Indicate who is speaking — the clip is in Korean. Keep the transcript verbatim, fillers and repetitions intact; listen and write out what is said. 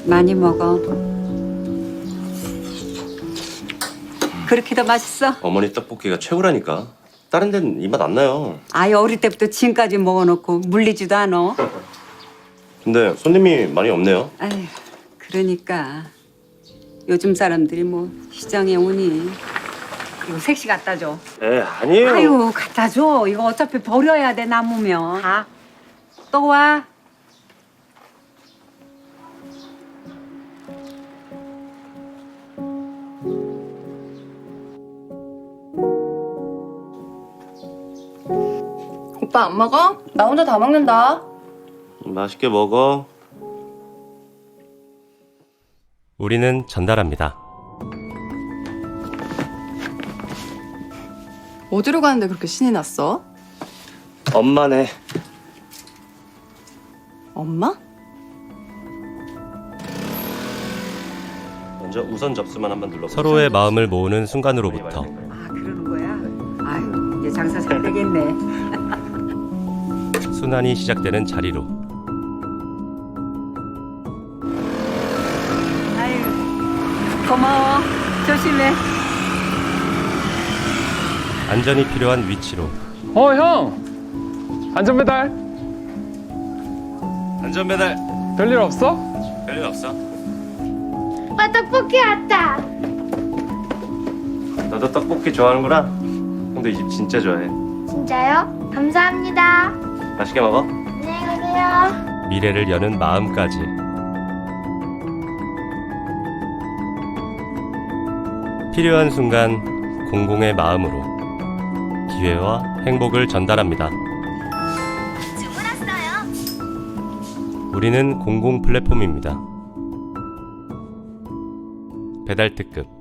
Speaker 1: 많이 먹어. 그렇게 더 맛있어?
Speaker 2: 어머니 떡볶이가 최고라니까. 다른 데는 이 맛 안 나요.
Speaker 1: 아예 어릴 때부터 지금까지 먹어놓고 물리지도 않아.
Speaker 2: 근데 손님이 많이 없네요.
Speaker 1: 아휴, 그러니까 요즘 사람들이 뭐 시장에 오니. 이거 색시 갖다 줘.
Speaker 2: 에 아니에요.
Speaker 1: 아유, 갖다 줘. 이거 어차피 버려야 돼, 남으면. 아, 또 와.
Speaker 3: 오빠 안 먹어? 나 혼자 다 먹는다.
Speaker 2: 맛있게 먹어.
Speaker 4: 우리는 전달합니다.
Speaker 3: 어디로 가는데 그렇게 신이 났어?
Speaker 2: 엄마네.
Speaker 3: 엄마?
Speaker 2: 먼저 우선 접수만 한번 눌러.
Speaker 4: 서로의 마음을 모으는 순간으로부터
Speaker 1: 아, 그러는 거야? 아유, 이제 장사 잘 되겠네.
Speaker 4: 순환이 시작되는 자리로
Speaker 1: 아유, 고마워. 조심해.
Speaker 4: 안전이 필요한 위치로
Speaker 5: 어, 형! 안전배달!
Speaker 4: 안전배달
Speaker 5: 별일 없어?
Speaker 4: 별일 없어?
Speaker 6: 오빠 떡볶이 왔다.
Speaker 2: 너도 떡볶이 좋아하는구나. 형도 이 집 진짜 좋아해.
Speaker 6: 진짜요? 감사합니다.
Speaker 2: 맛있게 먹어.
Speaker 6: 안녕히 가세요.
Speaker 4: 미래를 여는 마음까지 필요한 순간 공공의 마음으로 기회와 행복을 전달합니다.
Speaker 6: 주문 왔어요.
Speaker 4: 우리는 공공 플랫폼입니다. 배달 특급